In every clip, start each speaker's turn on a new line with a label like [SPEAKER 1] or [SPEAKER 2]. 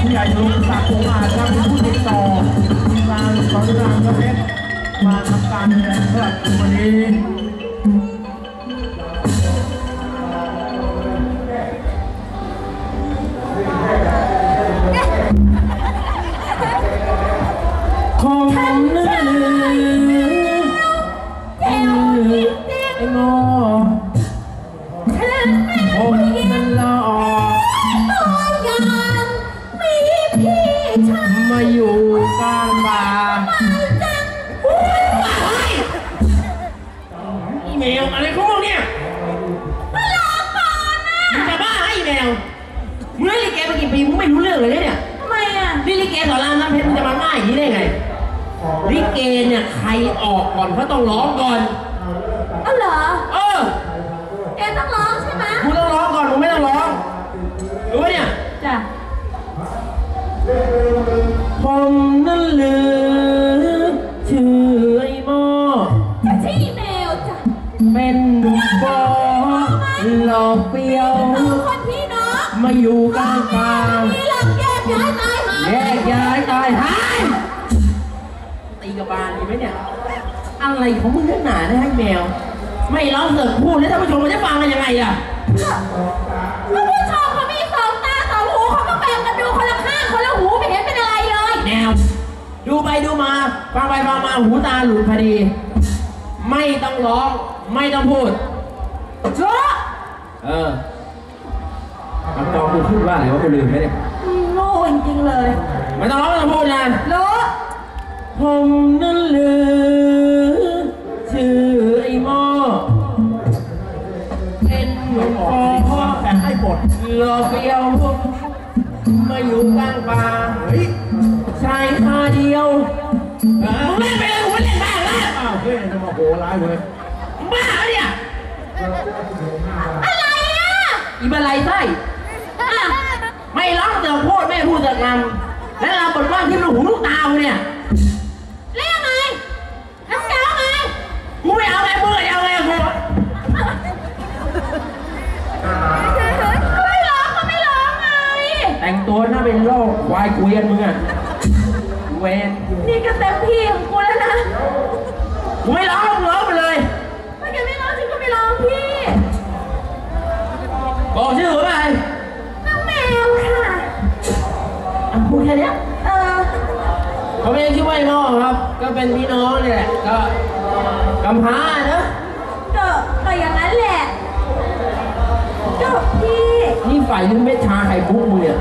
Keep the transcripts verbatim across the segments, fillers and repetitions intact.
[SPEAKER 1] ผู้ใหญ่ลุงศักดิ์องค์อาจครับเป็นผู้ติดต่อทีมงานสอนรามกระเพชรมาทำการแสดงเพื่อวันนี้ของนั่นไอ้งอผมนั่นละอมาอยู่กลางป่าอีเมลอะไรของมึงเนี่ยก็รอก่อนนะมึงจะบ้าไอ้แมวมึงเล่นลิเกมากี่ปีมึงไม่รู้เรื่องเลยเนี่ยทำไมอ่ะนี่ลิเกสอนรามน้ำเพชรมึงจะมาง่ายอย่างนี้ได้ไงลิเกเนี่ยใครออกก่อนเขาต้องร้องก่อนอ๋อเหรอเออแกต้องร้องใช่ไหมมึงต้องร้องก่อนมึงไม่ต้องร้องรู้ไหมเนี่ยจ้ะผมนั่นลือชื่อไอ้โม่จะชื่อแมวจ้ะเป็นบอหลอกเปียวคนพี่น้องมาอยู่กลางกลางนี่หลังแยกย้ายตายหายแยกย้ายตายหายตีกระบาลดีไหมเนี่ยอะไรของมึงนักหนาได้ให้แมวไม่ร้องเสิร์ฟพูดแล้วท่านผู้ชมมันจะฟังกันยังไงล่ะท่านผู้ชมเขามีสองตาสองหูเขาก็แบ่งกันดูคนละข้างคนละหูไม่เห็นเป็นอะไรเลยแมวดูไปดูมาฟังไปฟังมาหูตาหลุดพอดีไม่ต้องร้องไม่ต้องพูดเจ้าเออคำตอบกูพูดว่าอะไรวะกูลืมไหมเนี่ยโง่จริงๆเลยไม่ต้องร้องไม่ต้องพูดนะรู้ผมนั่นลือชื่อไอ้หม้อเป็นหนุ่มพ่อแต่ให้บทรอเปียวมาอยู่กลางป่าเฮ้ยชายคาเดียวมึงเล่นไปเลยกูไม่เล่นบ้างแล้วอ้าวเฮ้ยจะมาโหร้ายเลยบ้าเนี่ยอะไรอ่ะอีบันไลไส้ไม่ร้องเสือพูดไม่พูดเสือกนำแล้วเราบทว่าที่ลูกหูลูกตาเนี่ยเล่นยังไงน้ำเจ้าไงกูไม่เอาไงมึงเอาไงกูไม่ร้องก็ไม่ร้องไงแต่งตัวน่าเป็นโรคควายเกวียนมึงอ่ะเวนนี่ก็เต็มที่ของกูแล้วนะกูไม่ร้องร้องไปเลยถ้าแกไม่ร้องฉันก็ไม่ร้องพี่บอกชื่อหรือไงน้องแมวค่ะพูดแค่นี้เออเขาไม่ได้ชื่อว่าไอ้น้องครับก็เป็นพี่น้องเนี่ยก็กำพร้านะก็ก็อย่างนั้นแหละก็พี่นี่ฝ่ายนึงเม็ดชาไข่พุกมึงเนี่ย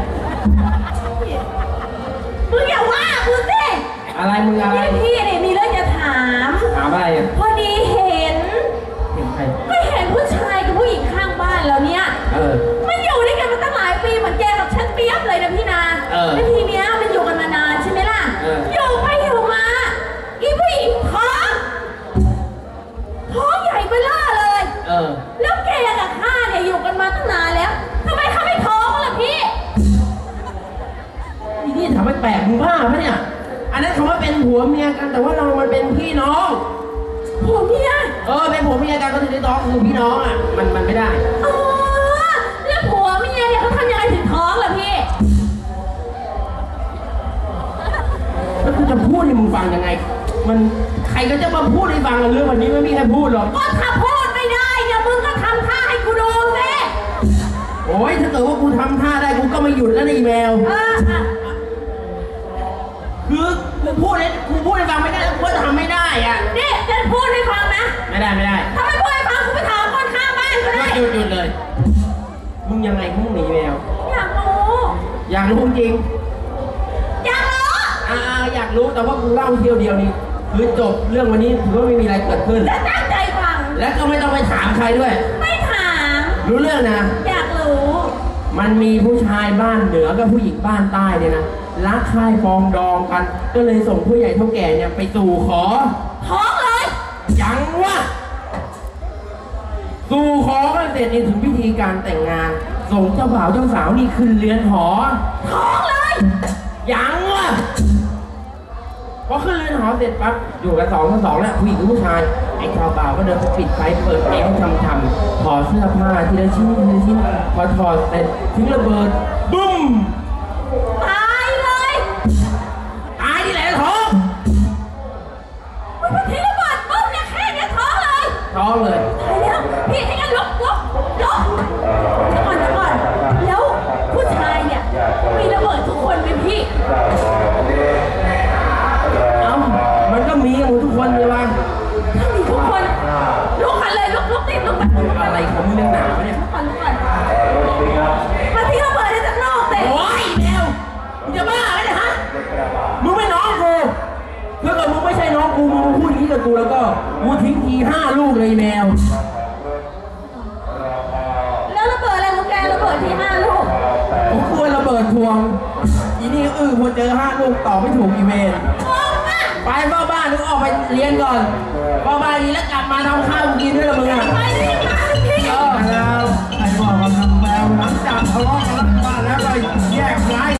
[SPEAKER 1] มึงอย่าว่ากูสิอะไรมึงอะไรพี่เนี่ยมีเรื่องจะถามถามอะไรอ่ะพอดีเห็นเห็นใครก็เห็นผู้ชายกับผู้หญิงข้างบ้านแล้วเนี่ยเออมันอยู่ด้วยกันมาตั้งหลายปีเหมือนแกกับฉันเปียบเลยนะพี่นาแล้วทีเนี้ยมันอยู่กันมานานใช่ไหมล่ะอยู่ไปอยู่มาอีผู้หญิงท้องท้องใหญ่เบ้อเลยเออแล้วแกกับข้าเนี่ยอยู่กันมาตั้งนานแล้วทำไมเขาไม่ท้องล่ะพี่นี่ถามไม่แปลกมึงบ้าปะเนี่ยอันนั้นคำว่าเป็นผัวเมียกันแต่ว่าเรามันเป็นพี่น้องผัวเมียเออเป็นผัวเมียกันก็ถือได้ท้องคือพี่น้องอ่ะมันมันไม่ได้อ๋อแล้วผัวเมียเนี่ยเขาทำยังไงถึงท้องล่ะพี่แล้วกูจะพูดให้มึงฟังยังไงมันใครก็จะมาพูดให้ฟังเรื่องวันนี้ไม่มีใครพูดหรอกก็ถ้าพูดไม่ได้เนี่ยมึงก็ทำท่าให้กูดูสิโอ้ยถ้าเกิดว่ากูทำท่าได้กูก็ไม่หยุดแล้วในอีเมลคือกูพูดให้กูพูดให้ฟังไม่ได้แล้วกูจะทำไม่ได้อ่ะนี่จะพูดให้ฟังนะไม่ได้ไม่ได้ถ้าไม่พูดให้ฟังกูไปถามคนข้างบ้านก็ได้หยุดหยุดเลยมึงยังไงมึงหนีแมวอยากรู้อยากรู้จริงอยากรู้อ่าอยากรู้แต่ว่ากูเล่าเที่ยวเดียวนี้คือจบเรื่องวันนี้ถือว่าไม่มีอะไรเกิดขึ้นและตั้งใจฟังและก็ไม่ต้องไปถามใครด้วยไม่ถามรู้เรื่องนะอยากรู้มันมีผู้ชายบ้านเหนือกับผู้หญิงบ้านใต้เนี่ยนะรักใคร่ปองดองกันก็เลยส่งผู้ใหญ่เท่าแก่เนี่ยไปสู่ขอท้องเลยยังวะสู่ขอกันเสร็จนี่ถึงพิธีการแต่งงานส่งเจ้าบ่าวเจ้าสาวนี่ขึ้นเรือนหอท้องเลยยังวะพอขึ้นเรือนหอเสร็จปั๊บอยู่กันสองต่อสองแล้วผู้หญิงกับผู้ชายไอ้ชาวบ่าวก็เดินไปปิดไฟเปิดแอร์ทำทำถอดเสื้อผ้าทีละชิ้นทีละชิ้นพอถอดเสร็จทิ้งระเบิดบึ้มตายกับกูแล้วก็กูทิ้งทีห้าลูกเลยแมว
[SPEAKER 2] แล้วระเบิดอะไรของแกระเบิดทีห้าลูก
[SPEAKER 1] ผมควรระเบิดทวงอีนี่อื้อพอเจอห้าลูกต่อไม่ถูกอีเวนไปเฝ้าบ้านนึกออกไปเรียนก่อนเฝ้าบ้านนี้แล้วกลับมาทำข้าวกินด้วยละมึงอ่ะ
[SPEAKER 2] ไปรีบมาพี่
[SPEAKER 1] เออแล้วไอ้บอกว่าทำแมวหลังจากทะเลาะกันแล้วมาแล้วก็แยกย้าย